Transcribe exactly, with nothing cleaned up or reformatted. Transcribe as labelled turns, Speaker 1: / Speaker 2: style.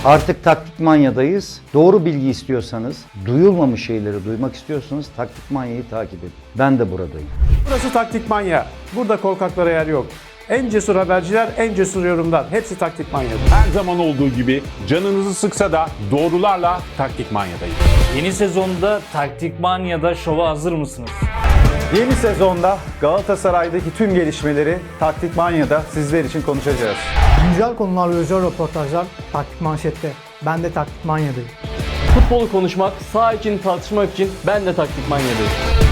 Speaker 1: Artık Taktik Manya'dayız. Doğru bilgi istiyorsanız, duyulmamış şeyleri duymak istiyorsanız Taktik Manya'yı takip edin. Ben de buradayım.
Speaker 2: Burası Taktik Manya. Burada korkaklara yer yok. En cesur haberciler, en cesur yorumlar. Hepsi Taktik Manya'da.
Speaker 3: Her zaman olduğu gibi canınızı sıksa da doğrularla Taktik Manya'dayız.
Speaker 4: Yeni sezonda Taktik Manya'da şova hazır mısınız?
Speaker 5: Yeni sezonda Galatasaray'daki tüm gelişmeleri Taktik Manya'da sizler için konuşacağız.
Speaker 6: Güncel konular ve özel röportajlar Taktik Manşet'te. Ben de Taktik Manya'dayım.
Speaker 7: Futbolu konuşmak, saha için tartışmak için ben de Taktik Manya'dayım.